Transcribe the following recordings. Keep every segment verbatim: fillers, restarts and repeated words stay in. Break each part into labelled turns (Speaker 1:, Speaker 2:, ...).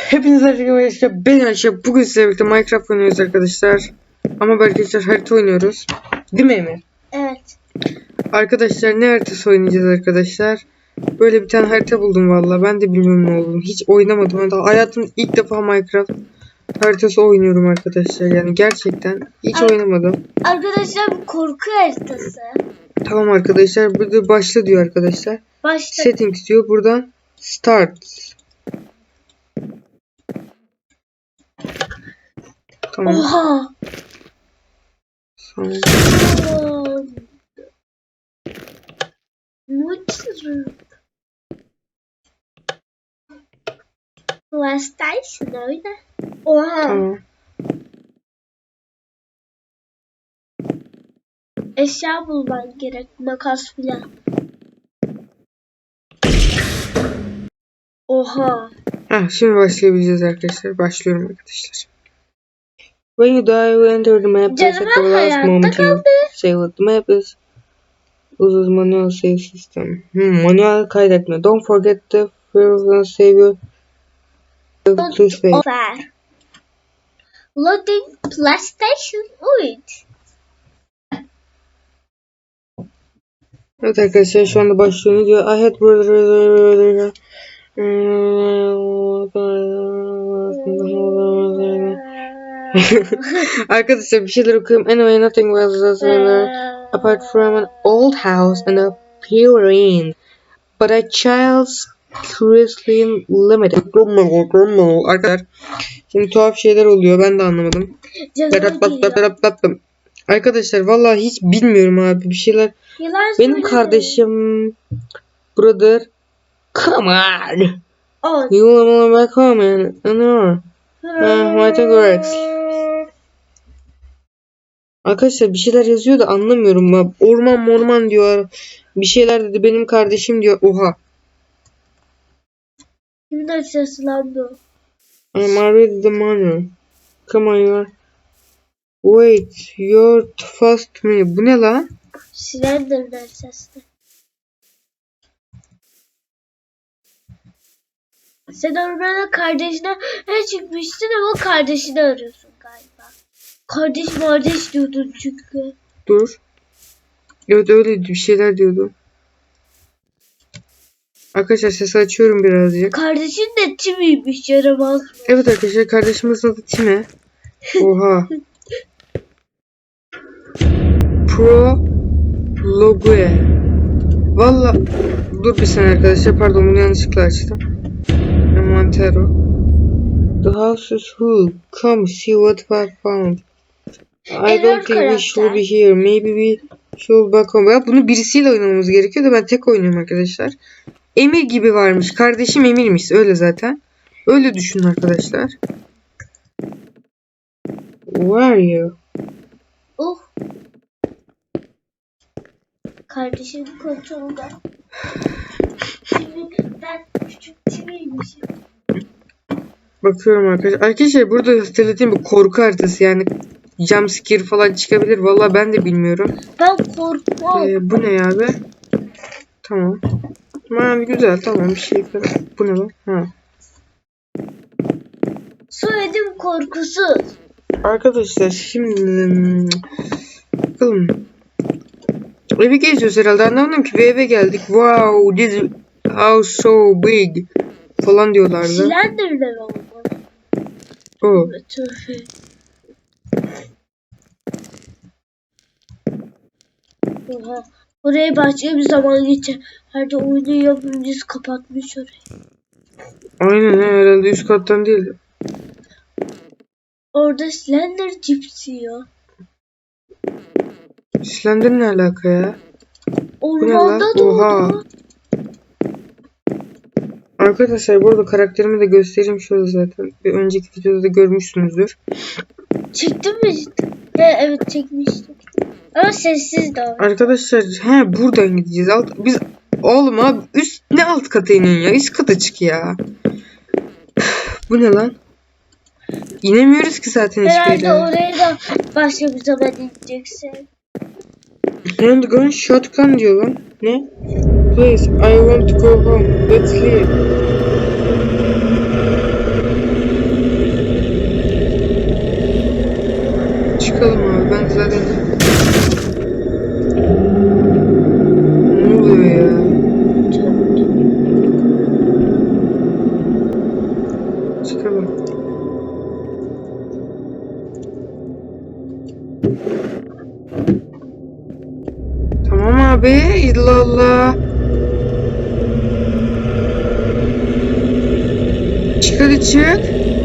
Speaker 1: Hepinize arkadaşlar, ben Ayşe. Bugün sizlerle birlikte Minecraft oynuyoruz arkadaşlar. Ama arkadaşlar harita oynuyoruz. Değil mi Emir?
Speaker 2: Evet.
Speaker 1: Arkadaşlar ne haritası oynayacağız arkadaşlar? Böyle bir tane harita buldum valla. Ben de bilmiyorum ne olduğunu. Hiç oynamadım. Hatta hayatımda ilk defa Minecraft haritası oynuyorum arkadaşlar. Yani gerçekten hiç
Speaker 2: Ar
Speaker 1: oynamadım.
Speaker 2: Arkadaşlar bu korku haritası.
Speaker 1: Tamam arkadaşlar. Burada başla diyor arkadaşlar.
Speaker 2: Başla.
Speaker 1: Settings diyor. Buradan start. Tamam.
Speaker 2: Oha.
Speaker 1: Tamam.
Speaker 2: Mutsuz. PlayStation oyna. Oha.
Speaker 1: Tamam.
Speaker 2: Eşya bulman gerek. Makas filan. Oha.
Speaker 1: Heh, şimdi başlayabileceğiz arkadaşlar. Başlıyorum arkadaşlar. When you die, you enter the map. Press
Speaker 2: Canım
Speaker 1: at the last
Speaker 2: hayatta
Speaker 1: moment you
Speaker 2: kaldı.
Speaker 1: save what the map is. Uses manual save system. Hmm, manuel kaydetme. Don't forget the first save your to save.
Speaker 2: Offer. Loading PlayStation üç.
Speaker 1: Evet arkadaşlar şu anda başlıyor. Ne diyor? I had brother. Arkadaşlar bir şeyler okuyorum. Anyway, nothing was as apart from an old house and a purine, but a child's curiously limited. Arkadaşlar şimdi tuhaf şeyler oluyor. Ben de anlamadım. Arkadaşlar vallahi hiç bilmiyorum abi bir şeyler. Benim kardeşim brother, come on.
Speaker 2: Oh.
Speaker 1: You wanna back home and no. What works? Arkadaşlar bir şeyler yazıyor da anlamıyorum ya. Orman morman diyor. Bir şeyler dedi. Benim kardeşim diyor. Oha.
Speaker 2: Kimden seslendi?
Speaker 1: I'm already the money. Come on you. Wait. You're too fast to me. Bu ne lan?
Speaker 2: Slender'den sesli. Sen ormana kardeşine ne çıkmıştın ama kardeşini arıyorsun galiba. Kardeş kardeş diyordun çünkü.
Speaker 1: Dur. Evet öyleydi. Bir şeyler diyordu. Arkadaşlar sesi açıyorum birazcık.
Speaker 2: Kardeşin de Timmy'ymiş, yaramaz mı?
Speaker 1: Evet arkadaşlar kardeşimizin adı Timmy. Oha. Pro Logue. Valla dur bir saniye arkadaşlar, pardon bunu yanlışlıkla açtım. Montero. The house is full. Come see what I found. I don't think we should be here. Maybe we should back home. Ya bunu birisiyle oynamamız gerekiyor da ben tek oynuyorum arkadaşlar. Emir gibi varmış. Kardeşim Emir'miş. Öyle zaten. Öyle düşünün arkadaşlar. Where are you?
Speaker 2: Oh. Kardeşim kontrolda. Şimdi ben küçük Timmy'ymişim.
Speaker 1: Bakıyorum arkadaşlar. Arkadaşlar burada söylediğim bir korku haritası, yani jumpscare falan çıkabilir. Vallahi ben de bilmiyorum.
Speaker 2: Ben korkmam.
Speaker 1: Ee, bu ne ya be? Tamam. Mavi güzel, tamam, bir şey falan. Bu ne lan? Ha.
Speaker 2: Soyadım korkusuz.
Speaker 1: Arkadaşlar şimdi bakalım. Evi geziyoruz herhalde. Anlamadım ki, bir eve geldik. Wow, this house so big falan diyorlardı.
Speaker 2: Slender'den olmalı.
Speaker 1: Oh.
Speaker 2: Tövbe. Oha. Oraya bahçeye bir zaman geçer. Her de oyunu yapımcısı kapatmış orayı.
Speaker 1: Aynen herhalde üst kattan değil.
Speaker 2: Orada Slender cips yiyor.
Speaker 1: Slender ne alaka ya?
Speaker 2: Ormanda
Speaker 1: Oha.
Speaker 2: doğdu.
Speaker 1: Arkadaşlar burada karakterimi de göstereyim şöyle zaten. Bir önceki videoda da görmüşsünüzdür.
Speaker 2: Çektin mi cidden? He, evet çekmiştik. Ama sessiz de o.
Speaker 1: Arkadaşlar he buradan gideceğiz. Alt, biz oğlum abi üst ne alt kata inin ya? Üst kata çık ya. Bu ne lan? İnemiyoruz ki zaten hiçbir
Speaker 2: Herhalde
Speaker 1: yere.
Speaker 2: oraya da başka bir zaman ineceksin.
Speaker 1: Handgun shotgun diyor lan. Ne? Please, I want to go home. Let's leave. abi. Allah Allah. Çık hadi çık.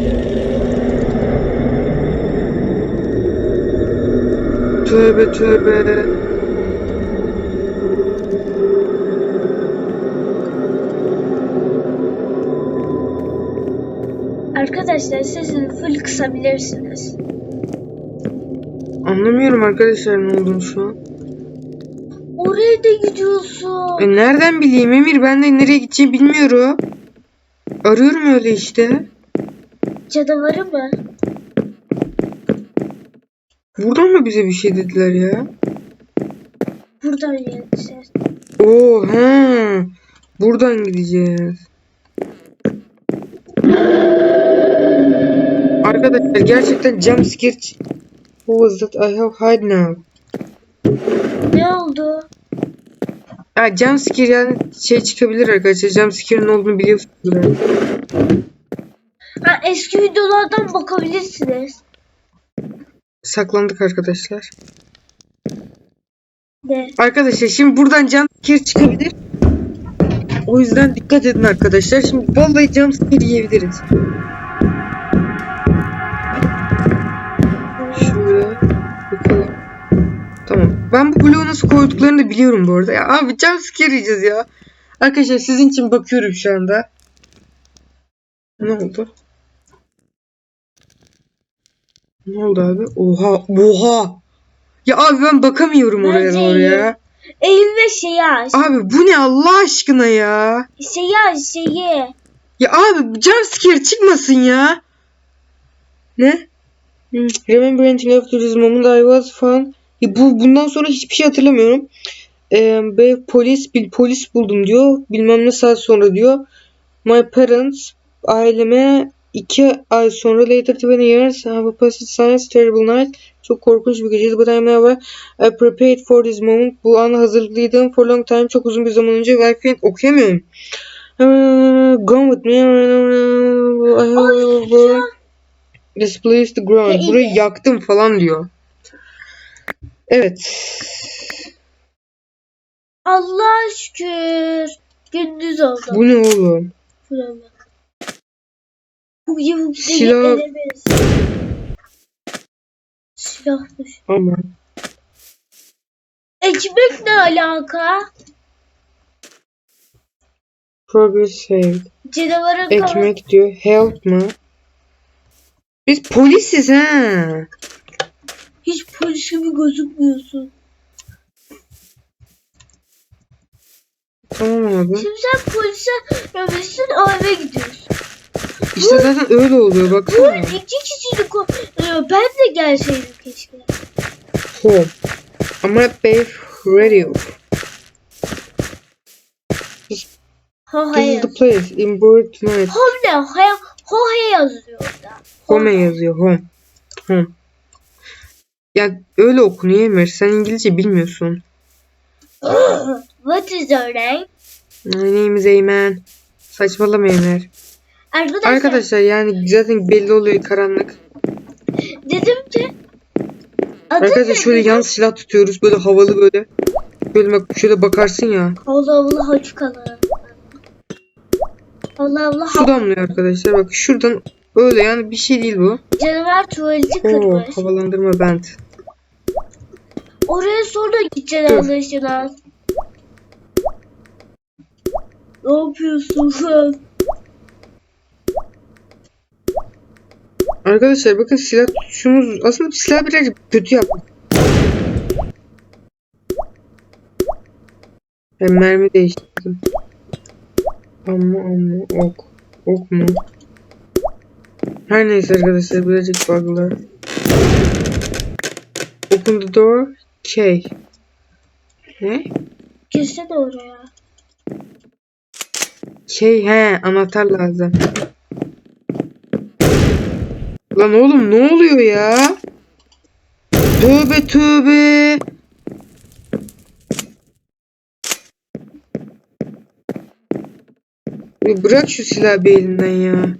Speaker 1: Tövbe tövbe.
Speaker 2: Arkadaşlar sesini full kısabilirsiniz.
Speaker 1: Anlamıyorum arkadaşlar ne olduğunu şu an.
Speaker 2: Oraya da gidiyorsun.
Speaker 1: E nereden bileyim Emir? Ben de nereye gideceğimi bilmiyorum. Arıyorum öyle işte.
Speaker 2: Canavarı mı?
Speaker 1: Buradan mı bize bir şey dediler ya?
Speaker 2: Buradan geleceğiz.
Speaker 1: Oo he. Buradan gideceğiz. Arkadaşlar gerçekten jump scare. Who was that? I have hide now.
Speaker 2: Ne oldu?
Speaker 1: Ya jump scare yani şey çıkabilir arkadaşlar. Jump scare'ın ne olduğunu biliyorsunuz herhalde.
Speaker 2: Ha, eski videolardan bakabilirsiniz.
Speaker 1: Saklandık arkadaşlar.
Speaker 2: Ne?
Speaker 1: Arkadaşlar şimdi buradan jump scare çıkabilir. O yüzden dikkat edin arkadaşlar. Şimdi vallahi jump scare yiyebiliriz. Şuraya bakalım. Tamam. Ben bu bloğu nasıl koyduklarını da biliyorum bu arada. Ya abi jump scare yiyeceğiz ya. Arkadaşlar sizin için bakıyorum şu anda. Ne oldu? Ne oldu abi? Oha. Oha. Ya abi ben bakamıyorum oraya
Speaker 2: Bence
Speaker 1: doğru ya.
Speaker 2: Eğil ve şeyi aç.
Speaker 1: Abi bu ne Allah aşkına ya?
Speaker 2: Şeyi aç şeyi.
Speaker 1: Ya abi jump scare çıkmasın ya. Ne? Hmm. Remember anything after this moment I was fun. Ya bu bundan sonra hiçbir şey hatırlamıyorum. Ee, be, polis bir polis buldum diyor. Bilmem ne saat sonra diyor. My parents aileme iki ay sonra later twenty years have a passed science terrible night. Çok korkunç bir geceydi. But I'm never I prepared for this moment. Bu ana hazırlıklıydım for long time. Çok uzun bir zaman önce. I can't okuyamıyorum. Uh, Gone with me. I have displaced the ground. Burayı yaktım falan diyor. Evet.
Speaker 2: Allah şükür. Gündüz oldu.
Speaker 1: Bu ne oğlum?
Speaker 2: Buraya. Bu yavuk
Speaker 1: Silah.
Speaker 2: edemez. Silahmış.
Speaker 1: Ama.
Speaker 2: Ekmek ne alaka?
Speaker 1: Progress saved.
Speaker 2: Canavarın
Speaker 1: Ekmek diyor. Help mı? Biz polisiz ha.
Speaker 2: hiç polis gibi gözükmüyorsun.
Speaker 1: Tamam abi.
Speaker 2: Şimdi sen polise rövesin eve gidiyorsun.
Speaker 1: İşte zaten öyle oluyor
Speaker 2: Bu
Speaker 1: baksana.
Speaker 2: iki kişilik o. Ben de gelseydim keşke.
Speaker 1: Home. Ama babe radio.
Speaker 2: Ha
Speaker 1: This
Speaker 2: hayır.
Speaker 1: is the place in Bird tonight.
Speaker 2: Home ne? Ha, hohe yazıyor orada.
Speaker 1: Home yazıyor. Home. Home. Ya öyle okunuyor Emir. Sen İngilizce bilmiyorsun.
Speaker 2: What is your name?
Speaker 1: My name is Eymen. Saçmalama Emir.
Speaker 2: Arkadaşlar,
Speaker 1: Arkadaşlar yani zaten belli oluyor karanlık.
Speaker 2: dedim ki adı
Speaker 1: Arkadaşlar
Speaker 2: ne
Speaker 1: şöyle
Speaker 2: dedim?
Speaker 1: yan silah tutuyoruz böyle havalı böyle. Böyle bak şöyle bakarsın ya.
Speaker 2: Allah Allah açık alan. Allah Allah
Speaker 1: Su damlıyor arkadaşlar. Bak şuradan öyle yani bir şey değil bu.
Speaker 2: canavar tuvaleti
Speaker 1: Oo,
Speaker 2: kırmış.
Speaker 1: havalandırma bent.
Speaker 2: Oraya sonra gideceksin
Speaker 1: Dur.
Speaker 2: anlaşılan. Ne yapıyorsun sen?
Speaker 1: Arkadaşlar bakın silah tutuşumuz aslında silah birazcık kötü yaptık. Ben mermi değiştirdim. Ama ama ok. Ok mu? Her neyse arkadaşlar birazcık bug'lar. Open the door. K. Ne?
Speaker 2: Girsene oraya.
Speaker 1: K he anahtar lazım. Lan oğlum ne oluyor ya? Tövbe tövbe. Ya bırak şu silahı bir elinden ya.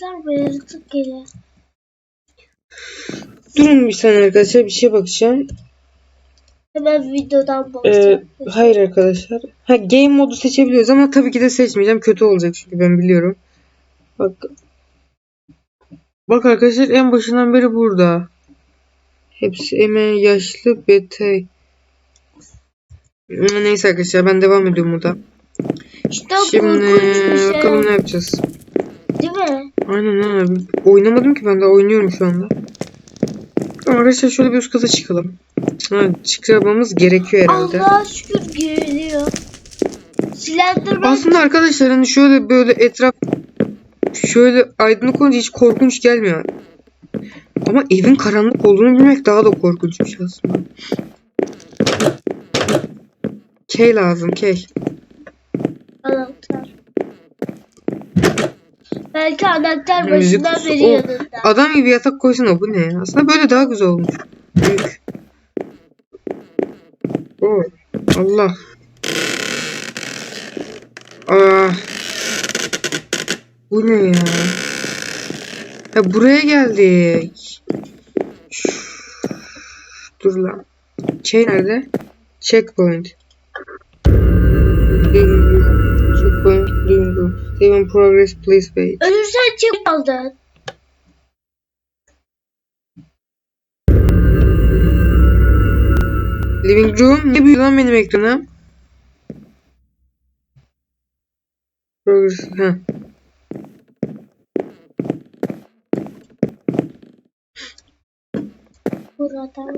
Speaker 2: gösterme, yaratık gelir.
Speaker 1: Durun bir saniye arkadaşlar, bir şey bakacağım.
Speaker 2: Hemen videodan
Speaker 1: Ee,
Speaker 2: bakacağım.
Speaker 1: hayır arkadaşlar. Ha, game modu seçebiliyoruz ama tabii ki de seçmeyeceğim. Kötü olacak çünkü ben biliyorum. Bak. Bak arkadaşlar, en başından beri burada. Hepsi hemen yaşlı betey. Neyse arkadaşlar, ben devam ediyorum burada.
Speaker 2: İşte o
Speaker 1: Şimdi
Speaker 2: korkunç bir şey.
Speaker 1: bakalım ne yapacağız.
Speaker 2: Değil mi?
Speaker 1: Aynen abi. Oynamadım ki, ben de oynuyorum şu anda. Ama arkadaşlar şöyle bir üst kata çıkalım. Ha, çıkmamız gerekiyor herhalde.
Speaker 2: Allah'a şükür giriliyor. Slenderman.
Speaker 1: Aslında arkadaşlar hani şöyle böyle etraf şöyle aydınlık olunca hiç korkunç gelmiyor. Ama evin karanlık olduğunu bilmek daha da korkunçmuş aslında. Key lazım, key.
Speaker 2: Anahtar. Belki anahtar
Speaker 1: Müzik
Speaker 2: başından
Speaker 1: kutusu.
Speaker 2: beri
Speaker 1: O,
Speaker 2: yanında.
Speaker 1: adam gibi yatak koysana, bu ne ya? Aslında böyle daha güzel olmuş. Büyük. Oo, Allah. Aa. Bu ne ya? Ha, buraya geldik. Dur lan. Şey nerede? Checkpoint. Checkpoint. Save in progress, please wait.
Speaker 2: Ölürsen çık aldın.
Speaker 1: Living room. Ne büyüyor lan benim ekranım? Progress. Ha.
Speaker 2: Burada.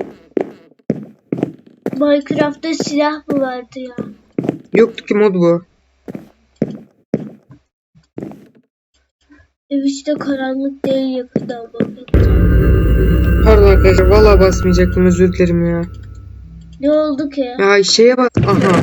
Speaker 2: Minecraft'ta silah mı vardı ya?
Speaker 1: Yoktu ki, mod bu.
Speaker 2: Ev işte karanlık değil, yakından bakacağım.
Speaker 1: Pardon arkadaşlar, vallahi basmayacaktım, özür dilerim ya.
Speaker 2: Ne oldu ki?
Speaker 1: Ya şeye bas. Aha.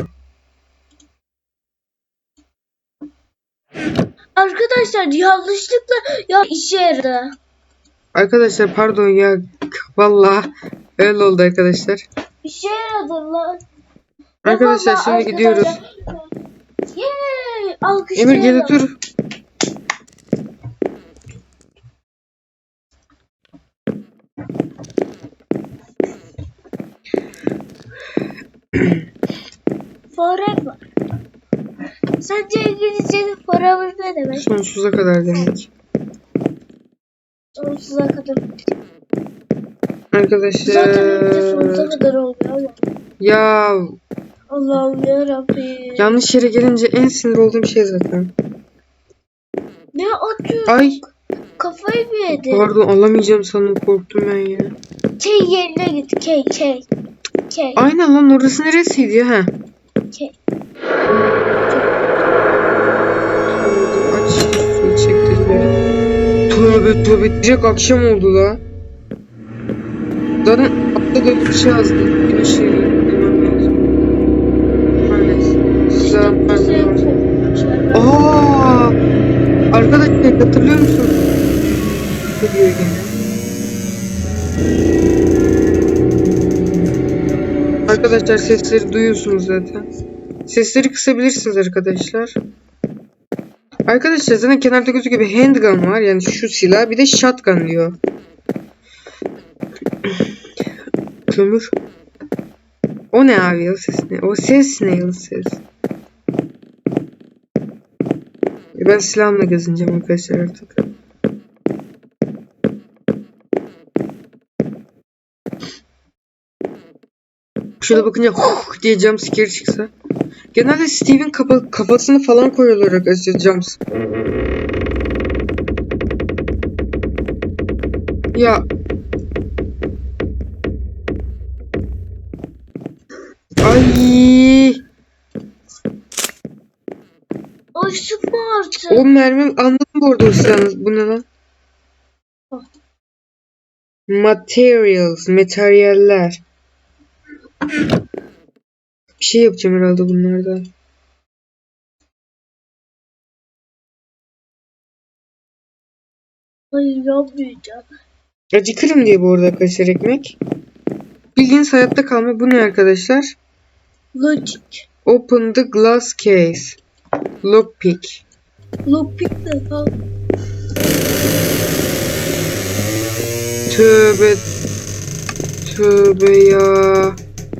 Speaker 2: Arkadaşlar yanlışlıkla ya işe yaradı.
Speaker 1: Arkadaşlar pardon ya. Vallahi öyle oldu arkadaşlar.
Speaker 2: İşe yaradı lan.
Speaker 1: Arkadaşlar
Speaker 2: Vallahi
Speaker 1: şimdi gidiyoruz.
Speaker 2: Yeee.
Speaker 1: Emir gel
Speaker 2: Alkışlayalım.
Speaker 1: otur.
Speaker 2: Forever. Sence İngilizce'de forever ne demek?
Speaker 1: Sonsuza kadar demek.
Speaker 2: Sonsuza kadar.
Speaker 1: Arkadaşlar.
Speaker 2: Zaten önce sonsuza kadar oluyor ama.
Speaker 1: Ya
Speaker 2: Allah'ım yarabbim.
Speaker 1: yanlış yere gelince en sinir olduğum şey zaten.
Speaker 2: Ne atıyor?
Speaker 1: Ay
Speaker 2: Kafayı mı yedi?
Speaker 1: pardon, alamayacağım sandım, korktum ben ya.
Speaker 2: K yerine git. K, K. K.
Speaker 1: Aynen lan, orası neresiydi ya? Ha.
Speaker 2: K.
Speaker 1: Aç suyu çektirme. Tövbe tövbe, direkt akşam oldu la. Zaten altta da bir şey yazdı. Güneşi yemem lazım. Maalesef. Size pardon. Aa! Arkadaşlar hatırlıyor musun? Ne diyor gene? Arkadaşlar sesleri duyuyorsunuz zaten. Sesleri kısabilirsiniz arkadaşlar. Arkadaşlar zaten kenarda gözüküyor bir handgun var. Yani şu silah, bir de shotgun diyor. Kömür. O ne abi, o ses ne? O ses ne, o ses? Ben silahımla gezineceğim arkadaşlar artık. Şöyle bakınca huh diye jumpscare çıksa. Genelde Steve'in kafa, kafasını falan koyuyorlar arkadaşlar jumps. Ya. Ay.
Speaker 2: Ay sıkma artık.
Speaker 1: O mermi anladım bu arada, o silahınız. Bu ne lan? Materials. Materyaller. Bir şey yapacağım herhalde bunlardan.
Speaker 2: Hayır yapmayacağım.
Speaker 1: Acıkırım diye bu arada arkadaşlar ekmek. Bildiğiniz hayatta kalma. Bu ne arkadaşlar?
Speaker 2: Logic.
Speaker 1: Open the glass case. Lockpick.
Speaker 2: Logic ne lan?
Speaker 1: Tövbe. Tövbe ya.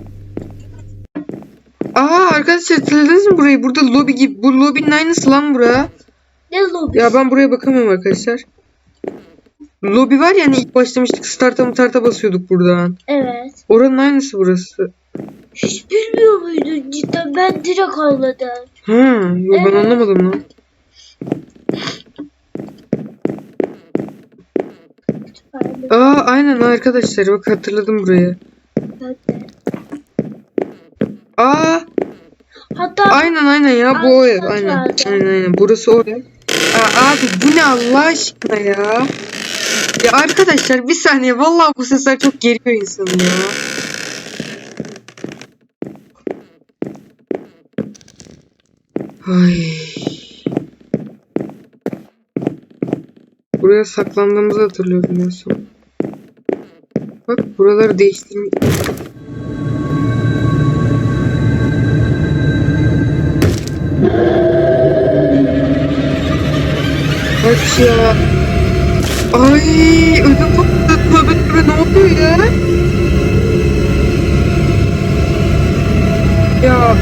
Speaker 1: Aa arkadaşlar hatırladınız mı burayı? Burada lobi gibi. Bu lobinin aynısı lan bura.
Speaker 2: Ne lobi?
Speaker 1: Ya ben buraya bakamıyorum arkadaşlar. Lobi var ya hani ilk başlamıştık. Start'a mı tarta basıyorduk buradan.
Speaker 2: Evet.
Speaker 1: Oranın aynısı burası.
Speaker 2: Hiç bilmiyor muydun cidden? Ben direkt anladım.
Speaker 1: Ha, yo ben
Speaker 2: Evet.
Speaker 1: anlamadım lan.
Speaker 2: Kütüphane.
Speaker 1: Aa aynen arkadaşlar bak hatırladım burayı.
Speaker 2: Ben de.
Speaker 1: Aa
Speaker 2: Hatta
Speaker 1: aynen aynen ya bu o ev
Speaker 2: Altı
Speaker 1: aynen.
Speaker 2: vardı.
Speaker 1: Aynen aynen burası o ev. Aa, abi bu ne Allah aşkına ya. Ya arkadaşlar bir saniye vallahi bu sesler çok geriyor insanı ya. Ay. Buraya saklandığımızı hatırlıyorum en son. Bak buraları değiştirmiş. Kaç ya. Ay ödüm patladı. Tövbe tövbe ne oluyor ya? Ya.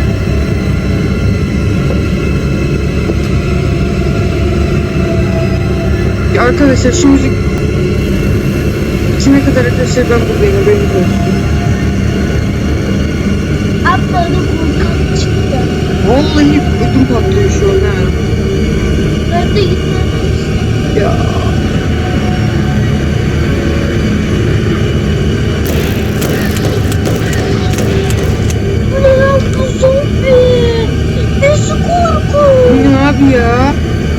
Speaker 1: Ya arkadaşlar şu müzik içine kadar arkadaşlar ben buradayım haberiniz olsun.
Speaker 2: abla da korkak çıktı.
Speaker 1: Vallahi ödüm patlıyor şu an ha.
Speaker 2: Ben de gitmem.
Speaker 1: Ya.
Speaker 2: Bu ne lan bu zombi? Nasıl korku?
Speaker 1: Bu ne abi ya?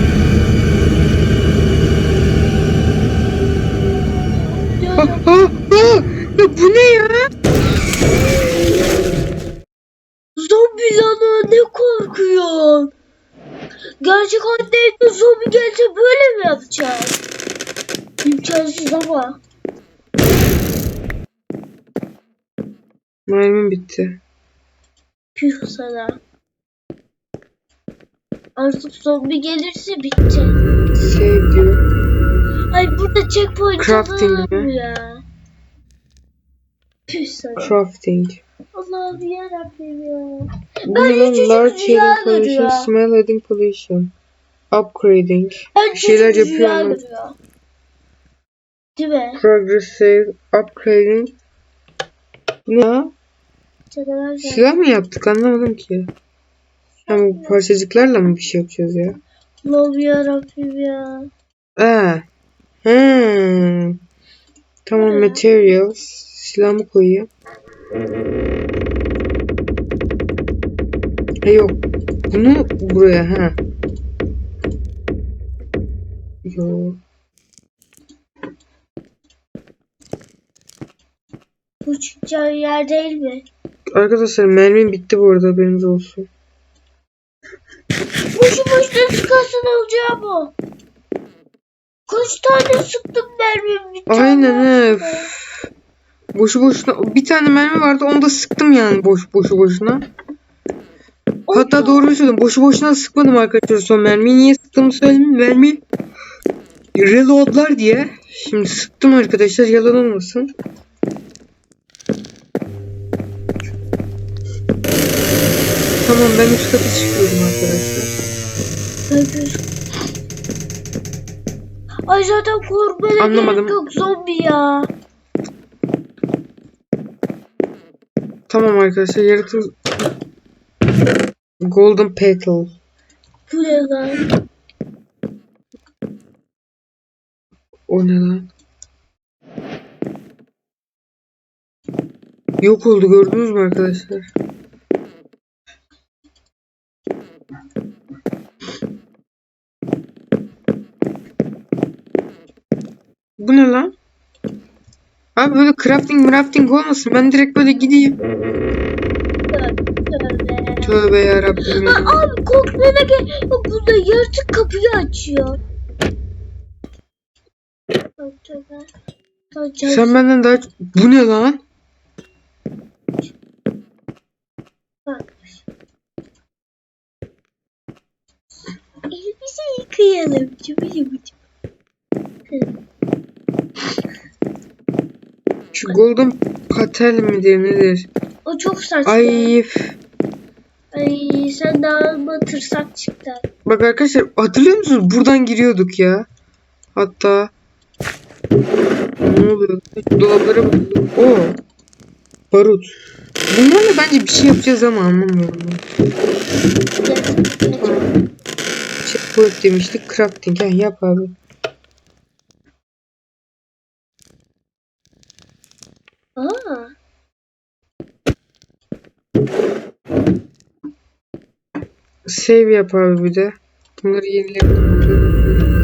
Speaker 2: Ya,
Speaker 1: Ha, ha, ha. Ya bu ne ya?
Speaker 2: zombi lan o, ne korkuyor? Gerçek hayatta evde zombi gelse böyle mi yapacağız? İmkansız ama.
Speaker 1: Mermim bitti.
Speaker 2: Püh sana. Artık zombi gelirse bitti.
Speaker 1: Save diyor.
Speaker 2: Ay burada checkpoint
Speaker 1: Crafting
Speaker 2: alınır mı
Speaker 1: mi?
Speaker 2: ya? Püh sana.
Speaker 1: Crafting.
Speaker 2: Allah'ım yarabbim ya.
Speaker 1: Bu
Speaker 2: Ben
Speaker 1: ne lan?
Speaker 2: hiç
Speaker 1: Large
Speaker 2: rüya
Speaker 1: healing pollution,
Speaker 2: görüyor.
Speaker 1: smell heading pollution. Upgrading.
Speaker 2: Ben
Speaker 1: Bir şeyler
Speaker 2: çocuk
Speaker 1: yapıyor
Speaker 2: rüya
Speaker 1: ama.
Speaker 2: görüyor. Değil mi?
Speaker 1: Progressive upgrading. Ne ya?
Speaker 2: Canavar geldi.
Speaker 1: Silah mı yaptık anlamadım ki. Ha bu parçacıklarla mı bir şey yapacağız ya?
Speaker 2: Allah'ım yarabbim ya.
Speaker 1: Aa. Hmm. Tamam
Speaker 2: Ha.
Speaker 1: materials. Silahımı koyayım. Ha yok. Bunu buraya ha. Yok.
Speaker 2: Bu çıkacağı yer değil mi?
Speaker 1: Arkadaşlar mermim bitti bu arada haberiniz olsun.
Speaker 2: Boşu boşuna sıkarsan olacağı bu. Kaç tane sıktım mermim bitti.
Speaker 1: Aynen
Speaker 2: Allah
Speaker 1: he.
Speaker 2: aşkına.
Speaker 1: Boşu boşuna bir tane mermi vardı onu da sıktım yani boş boşu boşuna. Hatta
Speaker 2: Oldu.
Speaker 1: doğru söyledim. Boşu boşuna sıkmadım arkadaşlar son mermiyi. Niye sıktığımı söyleyeyim. Mermi reloadlar diye. Şimdi sıktım arkadaşlar yalan olmasın. Tamam ben üst kata çıkıyorum arkadaşlar.
Speaker 2: Öpür. Ay zaten korkmana
Speaker 1: Anlamadım.
Speaker 2: gerek yok zombi ya.
Speaker 1: Tamam arkadaşlar yaratık Golden Petal.
Speaker 2: Bu ne lan?
Speaker 1: O ne lan? Yok oldu gördünüz mü arkadaşlar? Bu ne lan? Abi böyle crafting crafting olmasın. Ben direkt böyle gideyim.
Speaker 2: Tövbe.
Speaker 1: Tövbe yarabbim.
Speaker 2: Ha, abi korkmana gerek yok. Burada yaratık kapıyı açıyor. Tövbe. Tövbe.
Speaker 1: Sen benden daha... Bu ne lan?
Speaker 2: Bak. Elimizi yıkayalım. Cıbı cıbı cıbı.
Speaker 1: Şu golden patel midir nedir?
Speaker 2: O çok saçma.
Speaker 1: Ay
Speaker 2: Ay sen daha mı tırsak çıktın?
Speaker 1: bak arkadaşlar hatırlıyor musunuz? Buradan giriyorduk ya. Hatta ne oluyor? Dolaplara bakıyorduk. Oo. Barut. Bunlarla bence bir şey yapacağız ama anlamıyorum. Tamam. Checkpoint demiştik. Crafting. Ha, yap abi.
Speaker 2: Aa.
Speaker 1: Save yap abi bir de. Bunları yenileyelim.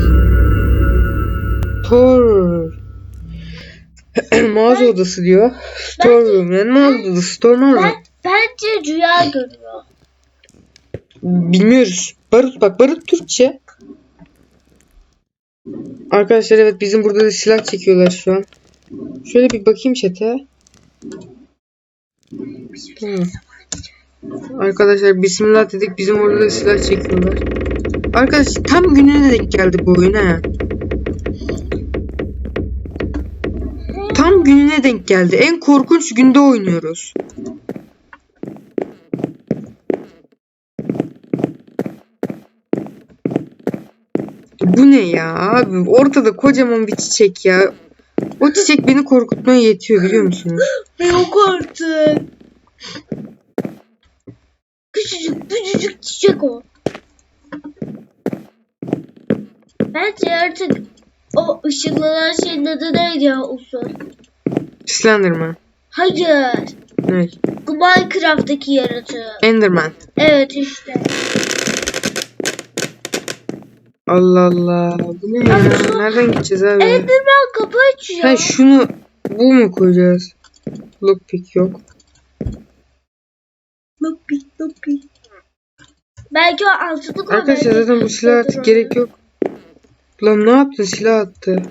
Speaker 1: Tor. Mağaza odası diyor. Store room. Yani mağaza odası. Store mağaza.
Speaker 2: Ben, bence rüya görüyor.
Speaker 1: Bilmiyoruz. Barut bak. Barut Türkçe. Arkadaşlar evet bizim burada da silah çekiyorlar şu an. Şöyle bir bakayım chat'e. Tamam. Arkadaşlar bismillah dedik. Bizim orada da silah çekiyorlar. Arkadaşlar tam gününe denk geldi bu oyun ha. Tam gününe denk geldi. En korkunç günde oynuyoruz. Bu ne ya abi? Ortada kocaman bir çiçek ya. O çiçek beni korkutmaya yetiyor biliyor musunuz?
Speaker 2: Yok artık. Küçücük küçücük çiçek o. Bence artık o ışıklanan şeyin adı neydi ya uzun?
Speaker 1: Slenderman.
Speaker 2: Hayır.
Speaker 1: Ne?
Speaker 2: Bu Minecraft'taki yaratığı.
Speaker 1: Enderman.
Speaker 2: Evet işte.
Speaker 1: Allah Allah. Bu ne ya? Nereden gideceğiz abi?
Speaker 2: Enderman kapı açıyor.
Speaker 1: Ha şunu bu mu koyacağız? Lockpick yok.
Speaker 2: Lopi lopi. Belki o altını koy.
Speaker 1: Arkadaşlar
Speaker 2: belki
Speaker 1: zaten bu silah artık
Speaker 2: olur.
Speaker 1: gerek yok. Lan ne yaptın? Silah attı.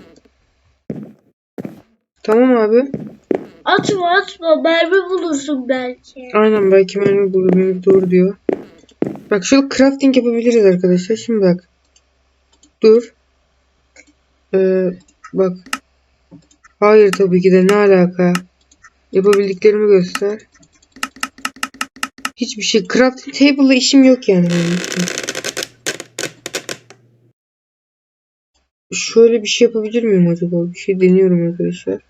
Speaker 1: Tamam abi.
Speaker 2: Atma atma. Mermi bulursun belki.
Speaker 1: Aynen belki mermi bulur. Benim doğru diyor. Bak şöyle crafting yapabiliriz arkadaşlar. Şimdi bak. Dur. Ee, bak. Hayır tabii ki de ne alaka? Yapabildiklerimi göster. Hiçbir şey. Crafting table'la işim yok yani benim. Şöyle bir şey yapabilir miyim acaba? Bir şey deniyorum arkadaşlar.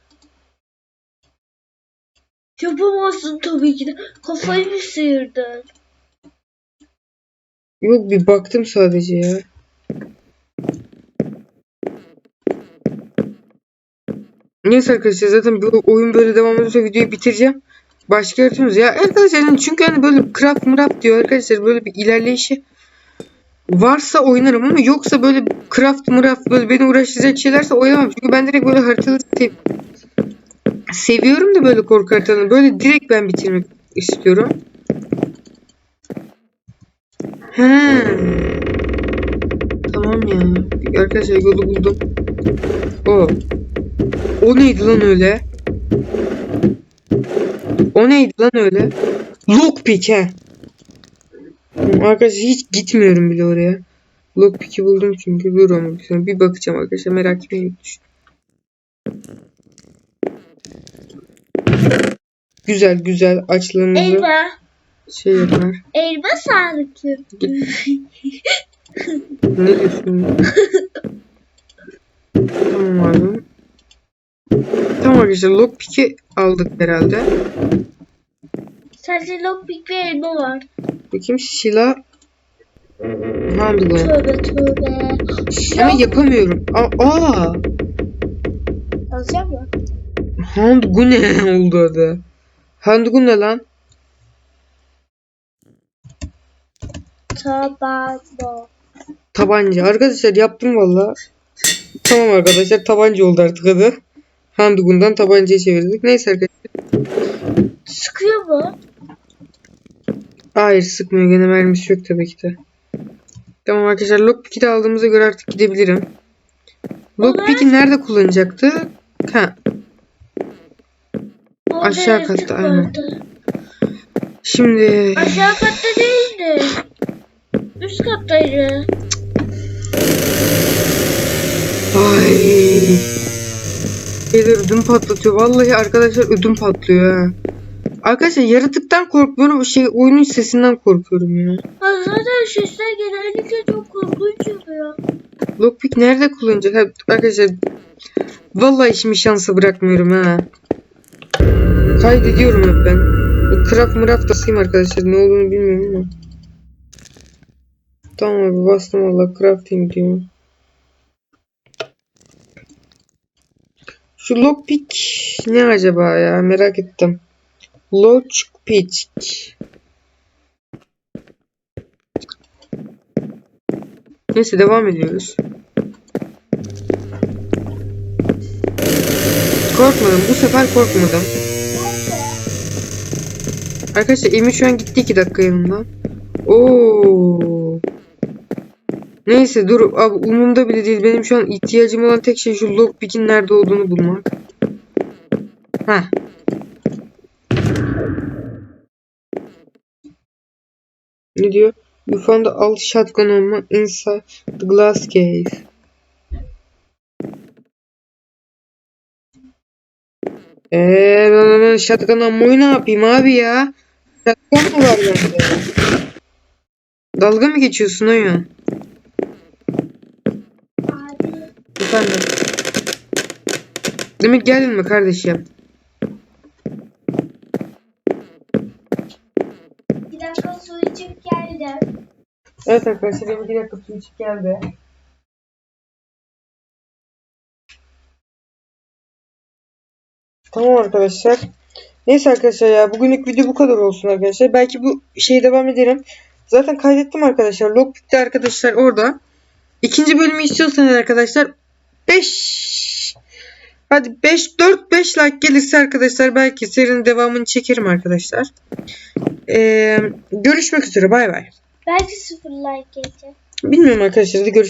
Speaker 2: Yapamazsın tabii ki de. Kafayı mı sıyırdın?
Speaker 1: Yok bir baktım sadece ya. Neyse arkadaşlar zaten bu oyun böyle devam ediyorsa videoyu bitireceğim. Başka yaratıyoruz ya arkadaşlar yani çünkü hani böyle craft mraft diyor arkadaşlar böyle bir ilerleyişi varsa oynarım ama yoksa böyle craft mraft böyle beni uğraştıracak şeylerse oynamam. Çünkü ben direkt böyle haritaları sev seviyorum da böyle korku haritalarını böyle direkt ben bitirmek istiyorum. He. Tamam ya. Arkadaşlar yolu buldum. O. O neydi lan öyle? O neydi lan öyle? Lockpick he. Arkadaşlar hiç gitmiyorum bile oraya. Lockpick'i buldum çünkü. Dur ama bir, bir bakacağım arkadaşlar. Merak etmeyin. Güzel güzel açlığımızı
Speaker 2: Elma.
Speaker 1: şey yapar.
Speaker 2: Elma sağlıklı.
Speaker 1: Ne diyorsun? Tamam abi. Tamam arkadaşlar lockpick'i aldık herhalde.
Speaker 2: Sadece lockpick ve elma var.
Speaker 1: Bakayım silah. Handgun.
Speaker 2: Tövbe tövbe.
Speaker 1: Ama yapamıyorum. Aa, aa.
Speaker 2: Alacağım mı?
Speaker 1: Handgun ne oldu adı? Handgun ne lan?
Speaker 2: Tabanca.
Speaker 1: Tabanca. Arkadaşlar yaptım valla. Tamam arkadaşlar tabanca oldu artık adı. Handgun'dan tabancaya çevirdik. Neyse arkadaşlar.
Speaker 2: Sıkıyor mu?
Speaker 1: Hayır sıkmıyor. Gene mermisi yok tabii ki de. Tamam arkadaşlar lockpick'i de aldığımıza göre artık gidebilirim. Lockpick'i nerede kullanacaktı? Ha.
Speaker 2: Orada
Speaker 1: Aşağı
Speaker 2: yaratık
Speaker 1: katta aynen.
Speaker 2: vardı.
Speaker 1: Şimdi
Speaker 2: Aşağı katta değildi. Üst kattaydı.
Speaker 1: ay Şeyler ödüm patlatıyor. Vallahi arkadaşlar ödüm patlıyor ha. Arkadaşlar yaratıktan korkmuyorum. Şey oyunun sesinden korkuyorum ya.
Speaker 2: Ay zaten sesler genellikle çok korkunç oluyor.
Speaker 1: Lockpick nerede kullanacak? Ha, arkadaşlar vallahi işimi şansa bırakmıyorum ha. Kaydediyorum hep ben. Bu craft mıraf basayım arkadaşlar. Ne olduğunu bilmiyorum ama. Tamam abi bastım valla crafting diyor. Şu lockpick ne acaba ya? Merak ettim. Lockpick. Neyse devam ediyoruz. Korkmadım. Bu sefer korkmadım. Arkadaşlar Emir şu an gitti iki dakika yanımdan. Oo. Neyse dur abi umurumda bile değil. Benim şu an ihtiyacım olan tek şey şu lockpick'in nerede olduğunu bulmak. Heh. Ne diyor? You found the old shotgun ammo inside the glass cave. Eee ben, ben shotgun ammo'yu ne yapayım abi ya? Shotgun mı var bende? Dalga mı geçiyorsun oyun?
Speaker 2: Abi
Speaker 1: Efendim. Demek geldin mi kardeşim?
Speaker 2: bir dakika su içip geldim.
Speaker 1: Evet arkadaşlar benim bir dakika su içip geldi. Tamam arkadaşlar. Neyse arkadaşlar ya bugünlük video bu kadar olsun arkadaşlar. Belki bu şeye devam ederim. Zaten kaydettim arkadaşlar. Lockpick'te arkadaşlar orada. İkinci bölümü istiyorsanız arkadaşlar beş hadi beş dört beş like gelirse arkadaşlar belki serinin devamını çekerim arkadaşlar. Ee, görüşmek üzere bay bay.
Speaker 2: Belki sıfır like gelecek.
Speaker 1: Bilmiyorum arkadaşlar hadi görüşürüz.